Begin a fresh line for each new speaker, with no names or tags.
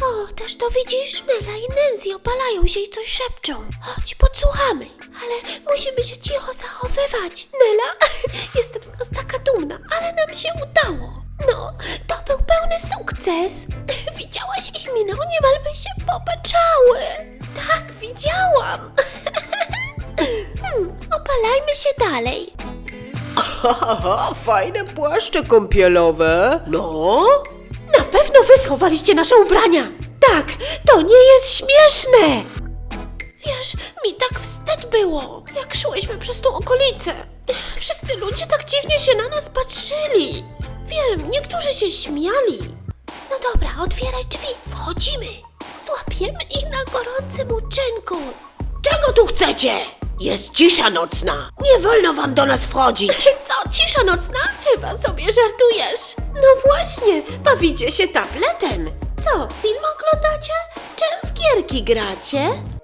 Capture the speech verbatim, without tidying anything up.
O, też to widzisz? Nela i Nancy opalają się i coś szepczą. Chodź, podsłuchamy. Ale musimy się cicho zachowywać. Nela, jestem z nas taka dumna, ale nam się udało. No, to był pełny sukces. Widziałaś ich miny, niemal by się popaczały. Tak, widziałam. hmm, opalajmy się dalej.
Haha, fajne płaszcze kąpielowe. No?
Na pewno wy schowaliście nasze ubrania. Tak, to nie jest śmieszne. Wiesz, mi tak wstyd było, jak szłyśmy przez tą okolicę. Wszyscy ludzie tak dziwnie się na nas patrzyli. Wiem, niektórzy się śmiali. No dobra, otwieraj drzwi, wchodzimy. Złapiemy ich na gorącym uczynku.
Czego tu chcecie? Jest cisza nocna. Nie wolno wam do nas wchodzić.
Co, cisza nocna? Chyba sobie żartujesz. No właśnie, bawicie się tabletem. Co, film oglądacie? Czy w gierki gracie?